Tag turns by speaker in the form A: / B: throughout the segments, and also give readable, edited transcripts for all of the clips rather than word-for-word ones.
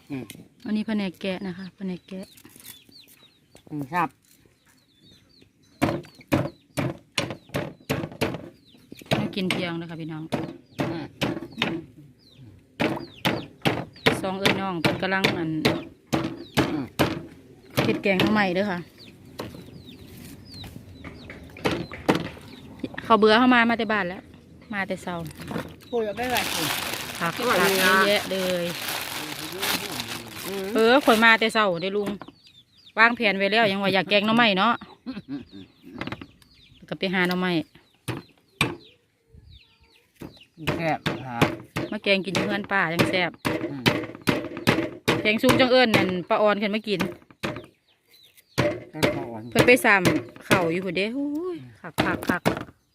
A: อันนี้แผนกแกะนะคะแผนกแกะ
B: ครับ
A: มากินเที่ยงนะคะพี่น้องสองเอ้ยน้องเป็นกำลังเห็ดแกงหน่อไม้เด้อค่ะเขาเบื่อเข้ามาแต่บ้านแล้ว มาแต่เช้า
B: พูดไม่ไหว
A: ผักเยอะแยะเลยข่อยมาแต่เช้าเด้อลุงวางแผนไว้แล้วยังว่าอยากแกงหน่อไม้เนาะก็ไปหาหน่อไม้
B: แซ่บ
A: มาแกงกินอยู่เพื่อนป้ายังแซ่บแกงซุปจังเอิญนั่นป้าออนขึ้นมากินเพิ่นไปซ้ำเข่าอยู่พุ่นเด้โอ้ยคัก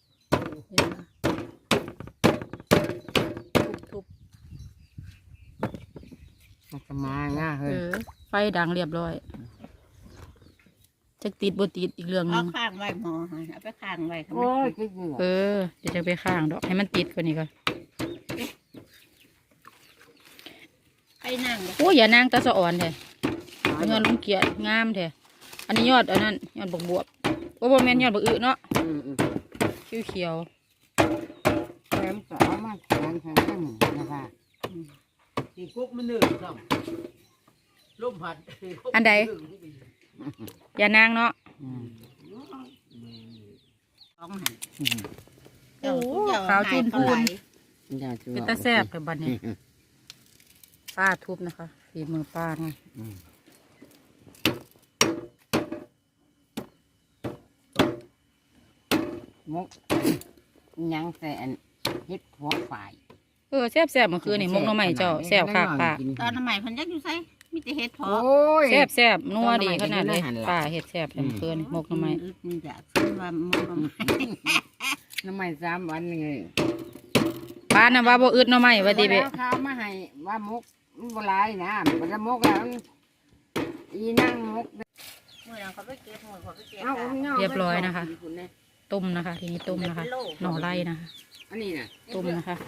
A: ทุบ
B: จะมาง่าเฮ้ย
A: ไฟดังเรียบร้อยจะติดบ่ติดอีกเรื่องนึง
C: ข้างไว้หมอเอาไปข้างไว้
B: โอ้ย
A: เดี๋ยวจะไปข้างดอกให้มันติดกว่านี้ก่อน
C: ไปนั่ง
A: โอ้ยอย่านั่งตาสะอ่อนแท้เงินลุงเกียรติงามแท้อันนี้ยอดอันนั้นยอดบวบโอ้บ่แม่นยอดบักอึเนาะเขียว
B: แถมก็เอามาแทนนะคะตีกุ๊กมันหนึ่งซ้ำลมพัด
A: อันใดอย่านั่งเนาะ
C: โอ้
A: ขาวจุนพูนเป็นตาแซ่บแต่บัดนี้ป้าทุบนะคะฝีมือป้าไง
B: มุกยังแต่เฮ็ดหัวฝ่าย
A: แซ่บเมื่อคืนนี่มกหน่อไม้เจ้าแซ่บค่ะป้า
C: ตอนใหม่พันยักอยู่ไสมีแต่เห็ดพอ
A: แซ่บนัวดีขนาดเลยป้าเห็ดแซ่บเมื่อคืนมกหน่อไม้
C: มีอยากซื้อว่ามกหน่อไม้
B: หน่อไม้3 วันเลย
A: ป้าน่ะว่าบ่อึดหน่อไม้ว่าดีเบะ
B: ข้าวมาให้ว่ามกบ่หลายนะมันจะมกแล้วอีนั่งมก
A: เรียบร้อยนะคะต้มนะคะทีนี้ต้มนะคะหน่อไร่นะคะ
B: อันนี้นะ
A: ต้มนะคะ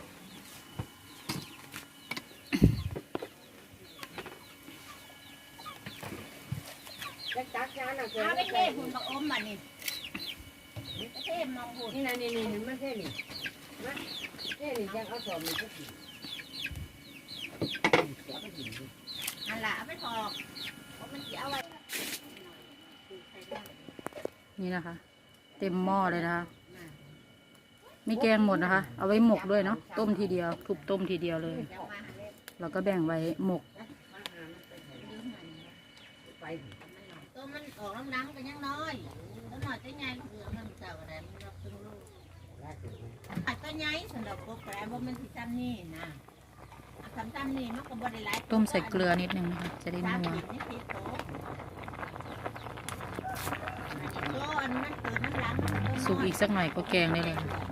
C: เอาไปเทหุ่นบักอมมานี่เทมองหุ่น
B: นี่นะนี่ไม่ใช่นี่นะนี่จะเอาสอบนี่ก็ผิด
C: อันละเอาไปถอกเพราะมันจะเอาไว้
A: นี่นะคะเต็มหม้อเลยนะคะไม่แกงหมดนะคะเอาไว้หมกด้วยเนาะต้มทีเดียวทุบต้มทีเดียวเลยแล้วก็แบ่งไว้หมก
C: ตัวมันออกน้ำๆกันยังน้อยแล้วหน่อยจะใหญ่เหลืองมันเจ้าอะไรมันรับตึงลูกผัดก็ใหญ่สำหรับพวกแปรว่ามันที่จำนี่นะทำจำนี่มันก็บริไล
A: ต้มใส่เกลือนิดนึงนะคะจะได้นัวสุกอีกสักหน่อยก็แกงได้เลย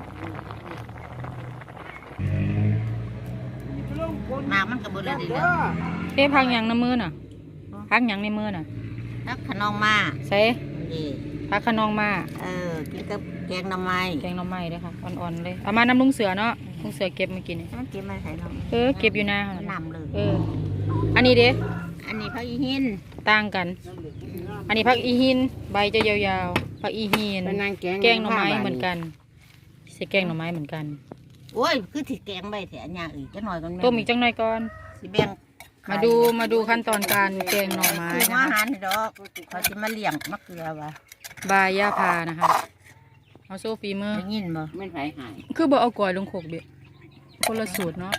C: น้ำมันก็บริเลย
A: พักอย่างในมือน่ะพักอย่างในมือน่ะ
C: พักขนองมา
A: ใส่พักขนองมา
C: กินกับแกงหน่อไม้
A: แกงหน่อไม้เลยค่ะอ่อนๆเลยเอามาน้ำลุงเสือเนาะลุงเสือเก็บมากิน
C: มันเก็บมาใส่น้ำ
A: เก็บอยู่นา
C: น้ำเลย
A: อันนี้เด้
C: อันนี้พักอีหิน
A: ต่างกันอันนี้พักอีหินใบจะยาวๆพักอีหินแกงหน่อไม้เหมือนกันใส่แกงหน่อไม้เหมือนกัน
C: โอ้ยคือที่แกงใบแถวอย่างอื่นจะหน่อยก่อน
A: ต้มอีกจังหน่อยก่อน
C: สิแบ่ง
A: มาดูขั้นตอนการแกงหน่อไม้
C: นะคะอาหารดอกเขาจะมาเลี้ยงมะเขือวะ
A: บายย่าพานะคะเอาโซฟีมือ
C: ยินบ่
B: ไม่หาย
A: คือบ่เอากล้วยลงโขกเบ็ดคนละสูตรเนาะ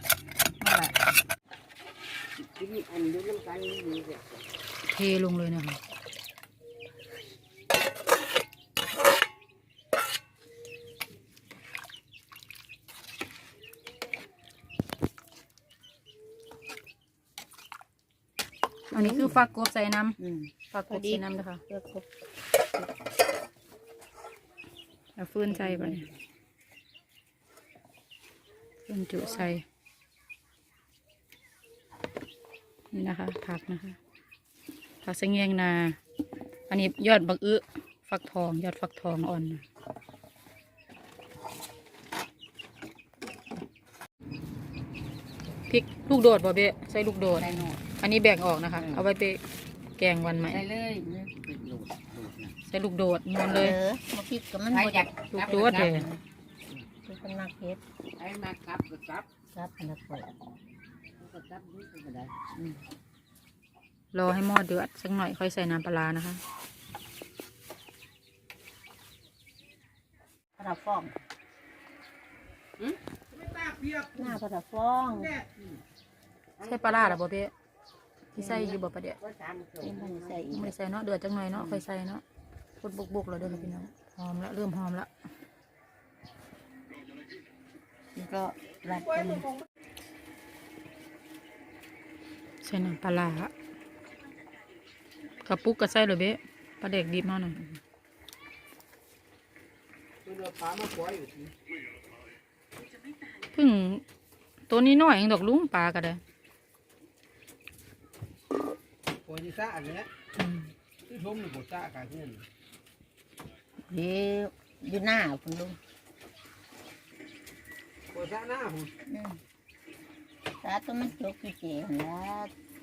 A: เทลงเลยนะคะอันนี้คือฟักกบใส่น้ำฟักกบใส่น้ำนะคะเอาฟืนใส่ไปฟืนจุใส่นี่นะคะผักนะคะผักสะเงียงนาอันนี้ยอดบักอึฟักทองยอดฟักทองอ่อนพริกลูกโดดบ่เบะใส่ลูกโดดอันนี้แบ่งออกนะคะ เอาไว้ไปแกงวันใหม่
B: ได้เลยเนี่ยเป็นโหลดนะ
A: ใส่ลูกโดดนวลเลย
C: มาคิดกับมัน
B: ใคร
C: บ่
B: อยาก
A: ลูกโดดเลย
C: คือเป็นนักเฮ็ด
B: ไอ้มาครับก็ครับ
C: ครับนักเปิด
B: ก็ครับนี่ก็ได้
A: รอให้หม้อเดือดสักหน่อยค่อยใส่น้ำปลาร้านะคะ
C: ปลาฟองหน้าปลาฟอง
A: ใส่ปลาร้าหรอบ่เป๊ะที่ใส่อยู่บ่ประเดี๋ยว
C: นี่มันใส่อีก
A: ไม่ได้ใส่เนาะเดือดจังหน่อยเนาะค่อยใส่เนาะพดบุกๆแล้วเด้อค่ะพี่น้องหอมละเริ่มหอมละ
C: นี่ก็รัดเป็น
A: ใส่น้ำปลาร้ากระปุกก็ใส่เลยเบ๊ะปลาเด็กดิบมาหน่อย
B: ตัวปลามาปล่อยอยู่ที่
A: เพิ่งตัวนี้น้อยเองดอกลุงปลาก็ได้
B: ปล่อยที่ซ่าอันนี้
A: อืม
B: ที่ชมนี่ปวดซ่ากันเพื่อน
C: เดี๋ยวอยู่หน้าคุณลุง
B: ปวดซ่าหน้าหุ่น
C: ตาตัวมันจกกี่เจ๋งแล้ว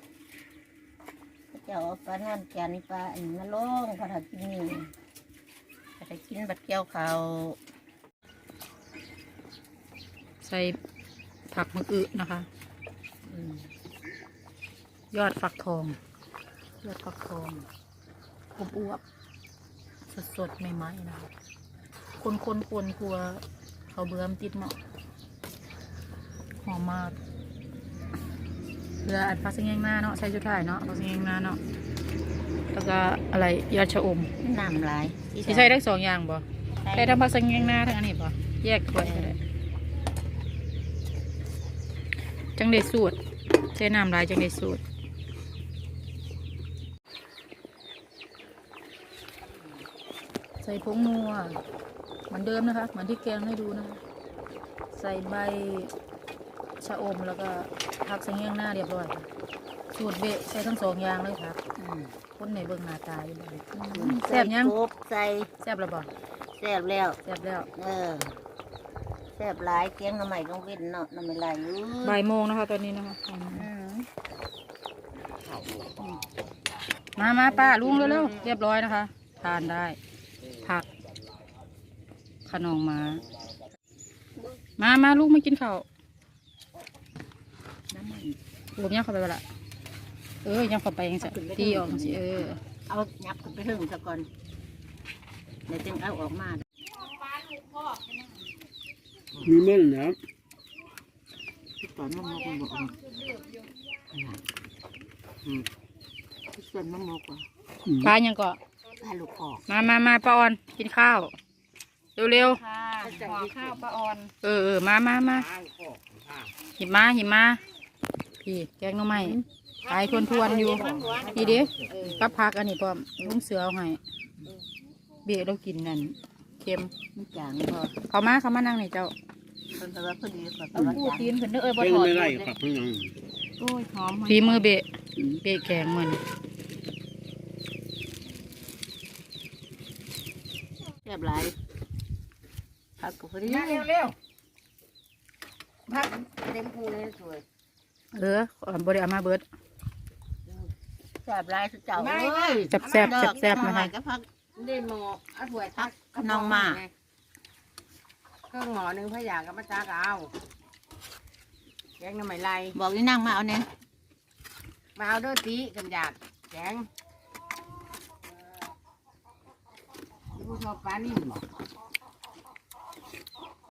C: เจ้าปลานวลจันทร์ปลาอันมาลงพอถ้ากินนี่พอถ้ากินบัดเกี่ยวเขา
A: ใส่ผักมะอึนะคะ ยอดฟักทอง ยอดฟักทองอวบๆสดๆใหม่ๆนะคะคนๆกลัวเขาเบื่อมนติดหม้อหอมมากเรืออัดฟักซิงแยงหน้าเนาะใส่ชุดถ่ายเนาะฟักซิงแยงหน้าเนาะแล้วก็อะไรยอดชะอม
C: น้ำลาย
A: ที่ใส่ได้2อย่างบ่ได้ทั้งฟักซิงแยงหน้าทั้งอันนี้บ่แยกถ้วยก็ได้จังได้สูตรใช้น้ำลายจังได้สูตรใส่ผงนัวเหมือนเดิมนะคะเหมือนที่แกงให้ดูนะคะใส่ใบชะอมแล้วก็ผักสังเงียงหน้าเรียบร้อยค่ะสูตรเบะใส่ทั้ง2อย่างเลยครับคนในเบิ่งหน้าตาอยู่เลยแซ่บยัง
C: กบใส่
A: แซ่บแล้วบ่
C: แซ่บแล้ว
A: แซ่บแล้ว
C: แซ่บหลายเกียงน้ำใหม่ต้องเว้นเนาะน้ำไม่ไหล
A: บ่ายโมงนะคะตอนนี้นะคะมาป้าลุงเร็วๆเรียบร้อยนะคะ ทานได้ผักขนมมาลูกมากินข้าวผมย่างเข้าไปละย่างเข้าไปยังสิตีออกสิ
C: เอายับขึ้นไปถึงซะก่อนเดี๋ยวจึงเอาออกมา
B: มีมันนะ
C: ที่ตอนมะมกมันบอกที่ส่วนมะมกว่ะ
A: ปลายังก็
C: ปลาลูกคอก
A: มาป้าออนกินข้าวเร็ว
C: ค่ะห่อข้าวปลาออน
A: มาหยิบมาพี่แกงหน่อไม้ขายทวนอยู่พี่ดิกับผักอันนี้พร้อมลุงเสือเอาให้เบี้ยเรากินนั่นเค็ม
C: มันจางพอ
A: เขามานั่งนี่เจ้า
C: คนแต่ว่าพอดีแบบ
A: เอาปูตีนขึ้นเด้อบ่
B: เป็น
A: ถอด
B: ไม่ไรครับพี่น้อง
A: โอ้ยหอมฝีมือเบะแกงมัน
C: แซ่บหลายผักก็พอดี
B: เร็วพักเต็มพูเลยสวย
A: บริอามาเบิด
C: แซ่บหลายสุดเจ้าเอ้ย
A: แซ่บนะคะ
C: ก็พัก
B: ได้หมอเอาถ้วยทัก
C: น้องมา
B: เครื่องหมอหนึ่งพะยากับมะจ้าก็เอาแกงน้ำไหมไร
C: บอกนี่นั่งมาเอาเนี่ย
B: มาเอาด้วยตีกันอยากแกงผู้ชอบปลานิ่มบอก